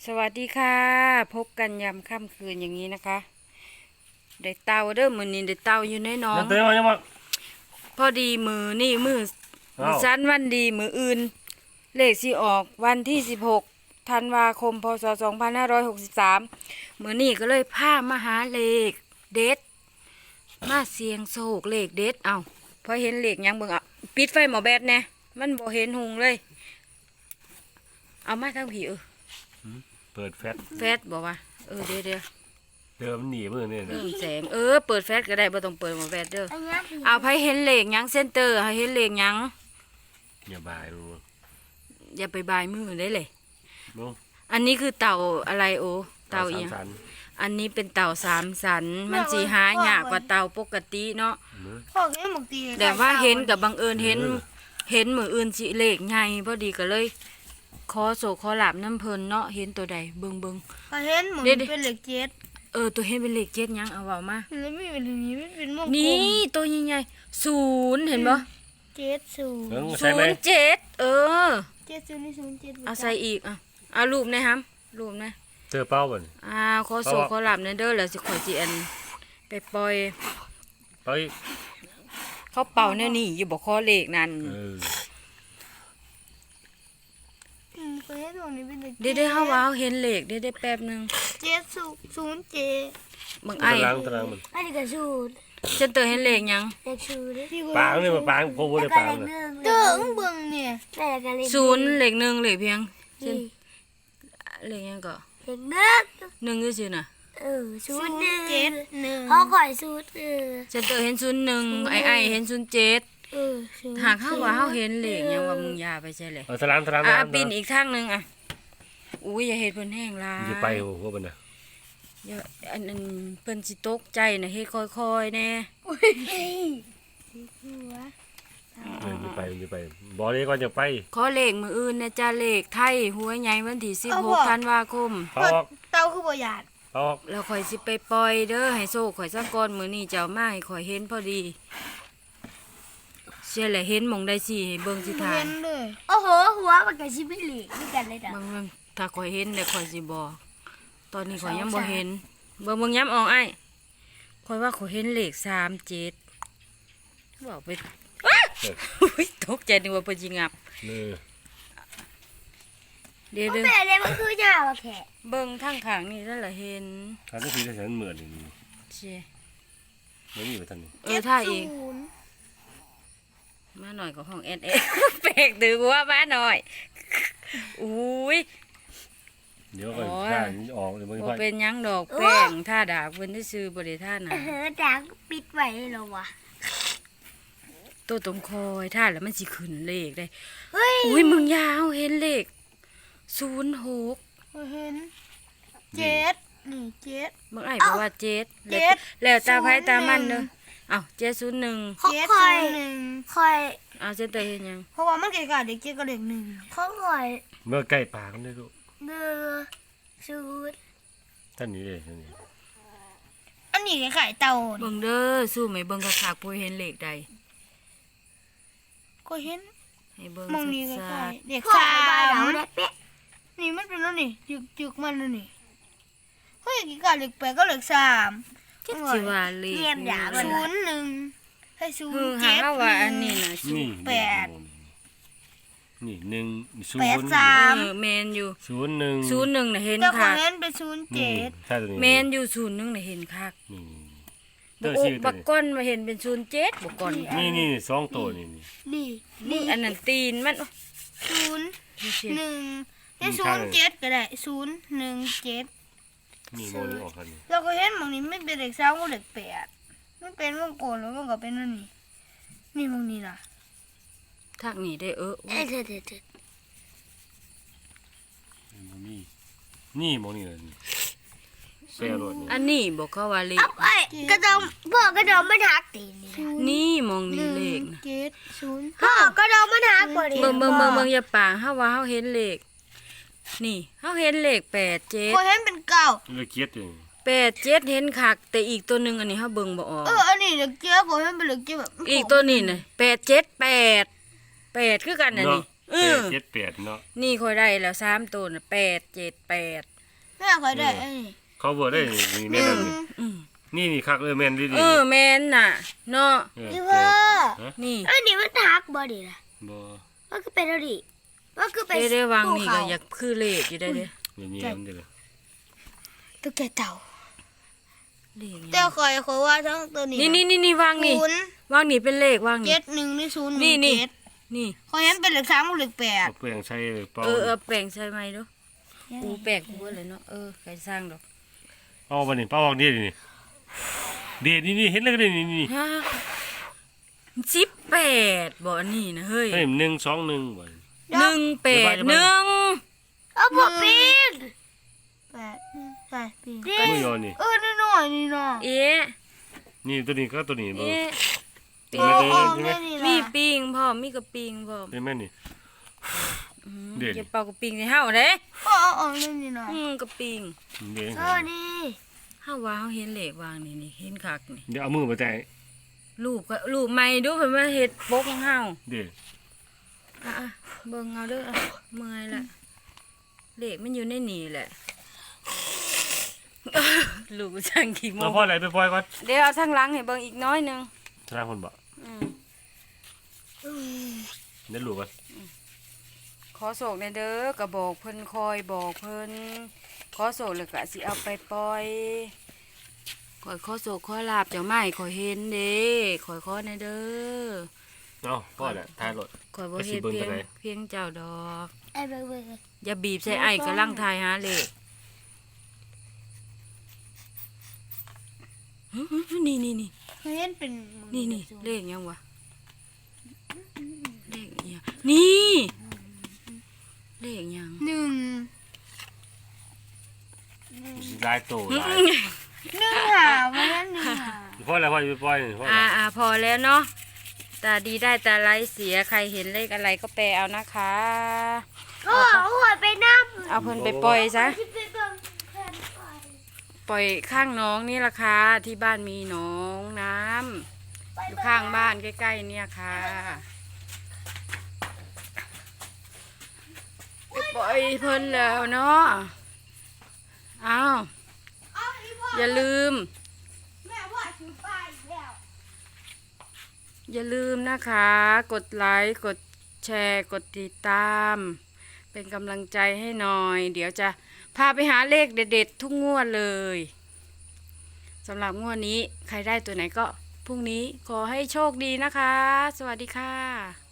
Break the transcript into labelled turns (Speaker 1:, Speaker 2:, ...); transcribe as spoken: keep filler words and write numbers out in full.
Speaker 1: สวัสดีค่ะพบกันยามค่ำคืนอย่างนี้นะคะได้เตาเด้อมือนี้ได้เตาอยู่ในหน้อง
Speaker 2: เต้มายังมา
Speaker 1: พอดีมือนี่มือมือ
Speaker 2: อ้าว
Speaker 1: สั้นวันดีมืออื่นเลขสิออกวันที่สิบหกธันวาคมพศสองพันห้าร้อยหกสิบสามมือนี่ก็เลยพามาหาเลขเด็ดมาเสียงโศกเลขเด็ดเอาพอเห็นเลขยังเบิ่งอ่ะปิดไฟหมอแบดแน่มันบ่เห็นหุงเลยเอามาทั้งผีเออ
Speaker 2: เปิดแฟต
Speaker 1: แฟดบอกว่าเออเดี๋ยวเดี๋ยว
Speaker 2: เดิมหนีมือเนี่ยนะ
Speaker 1: เพิ่มแสงเออเปิดแฟลชก็ได้บ่ต้องเปิดหมอแฟลชเด้อ
Speaker 3: อันนี้สี
Speaker 1: เอาไผเห็นเลขหยังเซนเตอร์ให้เห็นเลขหยัง
Speaker 2: อย่าบายรู้
Speaker 1: อย่าไปบายมือได้เลย
Speaker 2: น้อง
Speaker 1: อันนี้คือเต่าอะไรโอเต่า
Speaker 2: สา
Speaker 1: อี
Speaker 2: ม
Speaker 1: หยัง
Speaker 2: สัน
Speaker 1: อันนี้เป็นเต่าสามสันมันสิหายากกว่าเต่าปกติเนาะ
Speaker 2: มือ
Speaker 3: พ่อแม่หมกตี
Speaker 1: แต่ว่าเห็นกับบังเอิญเห็นเห็นมืออื่นสิเลขใหญ่พอดีก็เลยขอโศกขอหลาบน้ำเพลินเนาะเห็นตัวใดเบิ่งเบิ่ง
Speaker 3: ก็เห็นเหมือน
Speaker 1: เดี๋ยวๆ
Speaker 3: เป็นเหล็กเจ็ด
Speaker 1: เออตัวเห็นเป็นเลขเจ็ดหยังเอาเว้ามา
Speaker 3: แล้วไม่เป็นอย่างนี้ไม่เป็นวงกลม
Speaker 1: นี่ตัวใหญ่ๆศูนย์เห็นบ่
Speaker 3: เจ็ดศูนย์
Speaker 2: เพิ่ง
Speaker 1: ศู
Speaker 2: ใช่ไหม
Speaker 1: นย์เจ็ดเออ
Speaker 3: เจ็ดศูนย์นี่ศูนย์เจ็ด
Speaker 1: เอาใส่อีกอ่ะเอารูปนะครับรูปนะ
Speaker 2: เจอเป้าบ่น
Speaker 1: อ่าขอโศกขอหลับเนเด้อแล้วสิขอยสิอันไปปล่อย
Speaker 2: เป้า
Speaker 1: เขาเป่าแนวนี้อยู่บ่ข้อเลขนั่น
Speaker 2: เออ
Speaker 3: อืมก็เห็นตรงนี้เป็นเหล็ก
Speaker 1: เด้ได้เฮาว่าเฮาเห็นเลขได้ได้แป๊บหนึง
Speaker 3: เจ็ดศูนย์ศูนย์เจ็ด
Speaker 1: บางไอ้
Speaker 2: ตารางตารางมัน
Speaker 3: อันนี้ก็ศูนย์
Speaker 1: เจนเตอร์เห็นเลขหยัง
Speaker 3: เลขศูนย์
Speaker 2: ปางนี่มาปางพวกบ่ได้ปางเลย
Speaker 3: เติงเบิ่งเนี่ยแล้วก็เลข
Speaker 1: ศูนย์เลขหนึ่งเลขเพียงเช่น
Speaker 3: นี่
Speaker 1: เลขหยังก็
Speaker 3: เลขหนึ่ง
Speaker 1: หนึ่งคือซื่อน่ะ
Speaker 3: เออศูนย์หนึ่งเจ็ดหนึ่งเขาข่อยศูนย์เออ
Speaker 1: เจนเตอร์เห็นศูนย์หนึ่งไอ้ไอ้เห็นศูนย์เจ็ด
Speaker 3: เออศูนย์
Speaker 1: หากเฮาว่าเฮาเห็นเลขหยังว่ามึงอย่าไปใช่เลย
Speaker 2: เอาตารางตาราง
Speaker 1: อ่ะ
Speaker 2: ตาราง
Speaker 1: ปีนอีกทางหนึงอ่ะอุ้ยอย่าเฮ็ดเพิ่นแห้งหลาย
Speaker 2: อย่าไปโอ้โหบ่น่ะ
Speaker 1: อย่าอันนั้นเพิ่นสิตกใจนะเฮ็ดค่อยๆแน่
Speaker 3: หัว
Speaker 2: เอออย่าไปอย่าไปบ่ได้ก่อนอย่าไป
Speaker 1: ขอเลขมืออื่นนะจ้าเลขไทยหัวใหญ่วันที่สิบหกธันวาคม
Speaker 2: เป้าออก
Speaker 3: เต้าคือบ่หยาด
Speaker 2: เป้าออก
Speaker 1: แล้วข่อยสิไปปล่อยเด้อให้โซ่ข่อยสักก่อนมื้อนี้เจ้ามาให้ข่อยเห็นพอดีเสียแหละเห็นหมองได้สิให้เบิ่งสิทา
Speaker 3: เห็
Speaker 1: น
Speaker 3: นเลยโอ้โหหัวมันก็สิเป็นเหล็กด้วยกันเลยจ้ะ
Speaker 1: บางเบิ่งถ้าข่อยเห็นเดี๋ยวข่อยสิบอกตอนนี้ข่อยยังบ่เห็นเบิ่งเบิ่งย้ำออกไอ้ข่อยว่าข่อยเห็นเลขสามเจ็ดบอกไปอ้า
Speaker 2: เออ
Speaker 1: อุ๊ยตกใจนึกว่าเพิ่นสิงับ
Speaker 2: เออ
Speaker 1: เดี๋ยว
Speaker 3: แม่
Speaker 1: เด้อ
Speaker 3: เลยมันคือยาวอะแค่
Speaker 1: เบิ่งทางข้างนี่นั่นล่ะเห็น
Speaker 2: ทางที่ฉันเหมือนนี่
Speaker 1: เชี่ย
Speaker 2: ไม่มีไปทางนี้
Speaker 1: เออถ้าอีก
Speaker 3: ศูนย์
Speaker 1: มาหน่อยก็ห้องแอนเอ แปลกตือว่ามาหน่อยอุ้ย
Speaker 2: เดี๋ยวก็
Speaker 1: โอ้ย
Speaker 2: ทางนี้ออกเดี๋ยวมัน
Speaker 1: บ่
Speaker 2: ไป
Speaker 1: เป็นหยังดอกแป้งท่าดากเพิ่นได้ซื้อบริท่านะ
Speaker 3: เออดังปิดไว้เลยเหรอวะ
Speaker 1: ตัวตรงคอยท่าแล้วมันสิขึ้นเลขได้
Speaker 3: เฮ้ย
Speaker 1: อุ้ยมึงยาวเห็นเลขศูนย์หก
Speaker 3: เห็นเจ็ดนี่เจ็ด
Speaker 1: มึงไอ้บอกว่าเจ็ด
Speaker 3: เจ็ด
Speaker 1: แล้วตาไผตามัน
Speaker 3: ศูนย์หนึ่
Speaker 1: เด้อง เอ้าเจ็ดศูนย์หนึ่ง
Speaker 3: เจ็ดศูนย์หนึ่งคอย
Speaker 1: เอาเจ็ดเตยเห็นหยัง
Speaker 3: เพราะว่ามันเกี่ยวกับเด็กเจ็ดกับเด็กหนึ่งเขาคอย
Speaker 2: เมื่อใกล้ปางได้ลูก
Speaker 3: เดือศูนย์
Speaker 2: ท่านนี้เลยท่านนี้
Speaker 3: อันนี้ไข่เต่า
Speaker 1: เบิ่งเด้อสู้ไหมเบิ่งคักๆปุ้ยเห็นเลขใด
Speaker 3: ก็เห็น
Speaker 1: ให้เบิ่ง
Speaker 3: มองนี่ก็
Speaker 1: ชั
Speaker 3: ไข่
Speaker 1: ด
Speaker 3: เด็กสามนี่มันเป็นแล้วนี่จึกจึกมันแล้วนี่เฮ้ยกี่กับเด็กแปดก็เด็กสาม
Speaker 1: ๆจักสิว่าเลข
Speaker 3: ศูนย์หนึ่งให้ศูน
Speaker 1: คือ
Speaker 3: ย์
Speaker 1: หา
Speaker 3: เจ็ด
Speaker 1: ว่าอันนี้น่ะ
Speaker 2: นี่
Speaker 3: แปด
Speaker 2: นี่หนึ่งศู
Speaker 3: แปด
Speaker 2: นย์
Speaker 3: สาม
Speaker 1: เออแมนอยู่
Speaker 2: ศูนย์หนึ่ง
Speaker 1: ศูนย์หนึ่งน่ะเห็น
Speaker 3: เจ้าขอ
Speaker 1: คั
Speaker 3: ง
Speaker 1: ก
Speaker 3: เล่นเป็นศูนย์
Speaker 2: นี่
Speaker 3: เจ็ด
Speaker 2: ใช่ตัวนี้
Speaker 1: แมนอยู่ศูนย์หนึ่งน่ะเห็นคัก
Speaker 2: นี่
Speaker 1: บ
Speaker 2: เตัว
Speaker 1: โอ
Speaker 2: ชี
Speaker 1: ก
Speaker 2: วิต
Speaker 1: บักก้อนมาเห็นเป็นศูนย์เจ็ดบักก้อน
Speaker 2: นี่นี่สองตัวนี่นี่
Speaker 3: นี่
Speaker 1: นี่อันนั้นตีนมัน
Speaker 3: ศูนย์
Speaker 1: นี่สิ
Speaker 3: หนึ่งให้ศูนย์เจ็ดก็ได้ศูนย์หนึ่งเจ็ด
Speaker 2: นี่โมนี่ออกกันนี่
Speaker 3: เราก็เห็นมองนี้ไม่เป็นเด็กสามก็เด็กแปดมันเป็นวงกลมแล้วมันก็เป็นนั่นนี่นี่มองนี้ล่ะ
Speaker 1: ทักนี่ได้เอออุ๊ย
Speaker 3: เด็ดเด็ดเด็ด
Speaker 2: นี่นี่โมนี่เลยนี่เสียรถนี่
Speaker 1: อันนี้บอกเขาว่าเลข
Speaker 3: ไอ้กระดองพ่อกระดองมันหักตีนี่
Speaker 1: นี่มองนี่เลขนะ
Speaker 3: เจ็ดศูนย์พ่อกระดองมันหักบ่ดิ
Speaker 1: เบิ่งเบิ่งเบิ่งเบิ่งอย่าปางเฮาว่าเฮาเห็นเลขนี่เฮาเห็นเลขแปดเจ็ด
Speaker 3: พอเห็นเป็นเก้า
Speaker 2: เลยเกียดอยู่
Speaker 1: แปดเจ็ดเห็นคักแต่อีกตัวหนึงอันนี้เฮาเบิ่งบ่ออก
Speaker 3: เอออันนี้เด็กเจ้าก็เห็นเป็นเด็กเจ้าแบบ
Speaker 1: อีกตัวนี้น่ะแปดเจ็ดแปดแปดคือกันน่ะนี่เออ
Speaker 2: เจ็ดแปดเนาะ
Speaker 1: นี่ค่อยได้แล้วสามตัวน่ะแปดเจ็ดแปด
Speaker 3: แม่คอยได้ไอ้นี่
Speaker 2: เขาเบอร์ได้นี่นี่แม่นนี่
Speaker 1: อืม
Speaker 2: นี่นี่คักเลยแม่นดีดี
Speaker 1: เออแม่นน่ะเนาะ
Speaker 2: เออ
Speaker 3: พี่
Speaker 2: เอ
Speaker 3: พ่อ
Speaker 2: อฮะ
Speaker 1: นี่
Speaker 3: ไอ้นี่มันทักบ่ดิล่ะ
Speaker 2: บ่
Speaker 3: ว่าคือเป็นอะไรดิว่าคือเป็น
Speaker 1: เด้ได้วางนี่
Speaker 3: ภู
Speaker 1: ก็
Speaker 3: เขา
Speaker 1: อยากคือเลขอยู่ได้เด้
Speaker 2: นี่นี่มันเด้อ
Speaker 3: ตุ๊กแกเต่า
Speaker 1: เลข
Speaker 3: แต่คอยคอยว่าทั้งตัวนี้
Speaker 1: นี่นี่นี่นี่วางนี่
Speaker 3: ศูนย์
Speaker 1: วางนี่เป็นเลขวางนี่
Speaker 3: เจ็ดหนึ่งนี่ศูนย์ห
Speaker 1: นี่
Speaker 3: นึ่ง
Speaker 1: นี่
Speaker 3: เจ็ด
Speaker 1: นี่
Speaker 3: คอยเห็นเป็นเลขสามกับเลขแปด
Speaker 2: เอาแป้งใช้เป่า
Speaker 1: เออเออแปลงใช่ไหมดูอูแปลงกูบ่เลยเนาะเออใครสร้างดอก
Speaker 2: เอาบัดนี้เป่าออกนี่นี่เดดนี่นี่เห็นเลยนี่นี่
Speaker 1: ฮะสิบแปดบ่อันนี่นะเฮ้ย
Speaker 2: เฮ้ยหนึ่งสองหนึ่งบ่
Speaker 1: หนึ่งแปดหนึ่ง
Speaker 3: เอาพวกปีนแปดใช่ปีน
Speaker 2: มือยอนี่
Speaker 3: เออนี่หน่อยนี่หน่อย
Speaker 1: เอ๊ะ
Speaker 2: นี่ตัวนี้ก็ตัวนี้บ่
Speaker 1: เอ๊ะ
Speaker 2: เป็
Speaker 3: โอ้
Speaker 2: นไหม
Speaker 3: โอ้
Speaker 2: เป็นไหม
Speaker 3: แม่นี่
Speaker 1: มี
Speaker 3: ล่ะ
Speaker 1: ปิงพร้อมมีกระปิงพร้อม
Speaker 2: เป็นไหมนี่
Speaker 1: อืม
Speaker 2: เด่น
Speaker 1: อย่าเป่ากระปิงใส่เฮาเด้
Speaker 3: โอ้โอ้โอ้นี่นี่หน่อย
Speaker 1: อืมกระปิง
Speaker 2: เดี๋ยว
Speaker 3: เออดี
Speaker 1: เฮาว่าเฮาเห็นเลขวางนี่นี่เห็นคักนี่
Speaker 2: เดี๋ยวเอามือมาแตะ
Speaker 1: รูปก็รูปใหม่ดูเพิ่นมาเฮ็ดปกของเฮา
Speaker 2: เดี๋ยว
Speaker 1: อ่ะอ่ะเบิ่งเอาเด้ออ่ะเมื่อยละเลขมันอยู่ในนี่แหละ ลูกช่างกี่โม
Speaker 2: เรา
Speaker 1: ง
Speaker 2: พ่อไหนไปปล่อยก่อน
Speaker 1: เดี๋ยวเอาทางหลังให้เบิ่งอีกน้อยหนึง
Speaker 2: ทางคนบ่
Speaker 1: อืม
Speaker 2: เดี๋ยวลูกก่อน
Speaker 1: ขอโศกในเด้อกระบอกเพิ่นคอยบอกเพิ่นขอโศกแล้วก็สิเอาไปปล่อยขอยขอโศกขอลาบเจ้าไม้ขอยเห็นเด้ขอยขอในเด้อ
Speaker 2: เอาพ่อแหละท้ายรถ
Speaker 1: ขอยบ่
Speaker 2: ไปสิ
Speaker 1: เฮ็ด
Speaker 2: เบิ่ง
Speaker 1: เพียง
Speaker 2: จั่งใด
Speaker 1: เพียงเจ้าดอก
Speaker 3: ไอ้เบิ่งเบิ่ง
Speaker 1: อย่าบีบใส่ไอ้กำลังทายหาเลขฮึๆนี่นี่นี่
Speaker 3: เคยเห็นเป็น
Speaker 1: นี่นี่เลขยังวะเลขอิหยังนี่เลขยัง
Speaker 3: หนึ่ง
Speaker 2: ลายโตลาย
Speaker 3: หนึ่งหาวันนั้นหนึ่งหา
Speaker 2: พ่อแล้วพ่อจะไปปล่อยนี่พ่อ
Speaker 1: อ่า
Speaker 2: แล้ว
Speaker 1: อ่าพอแล้วเนาะตาดีได้ตาไร้เสียใครเห็นเลขอะไรก็แปลเอานะคะ
Speaker 3: ก็หัวไปน้ำ
Speaker 1: เอาเพิ่นไปปล่อยซะ
Speaker 3: ที่ไปเบิ่งแผ่นไฟ
Speaker 1: ปล่อยข้างน้องนี่ละค่ะที่บ้านมีหน้องน้ำอยู่ข้างบ้านใกล้ๆเนี่ยค่ะไปปล่อยเพิ่นแล้วเนาะอ้าว
Speaker 3: เอาอีพ่อ
Speaker 1: อย่าลืม
Speaker 3: แม่ว่าถือป้ายอีกแล้ว
Speaker 1: อย่าลืมนะคะ กดไลค์ กดแชร์ กดติดตาม เป็นกำลังใจให้หน่อย เดี๋ยวจะพาไปหาเลขเด็ดๆ ทุกงวดเลยสำหรับงวดนี้ใครได้ตัวไหนก็พรุ่งนี้ขอให้โชคดีนะคะ สวัสดีค่ะ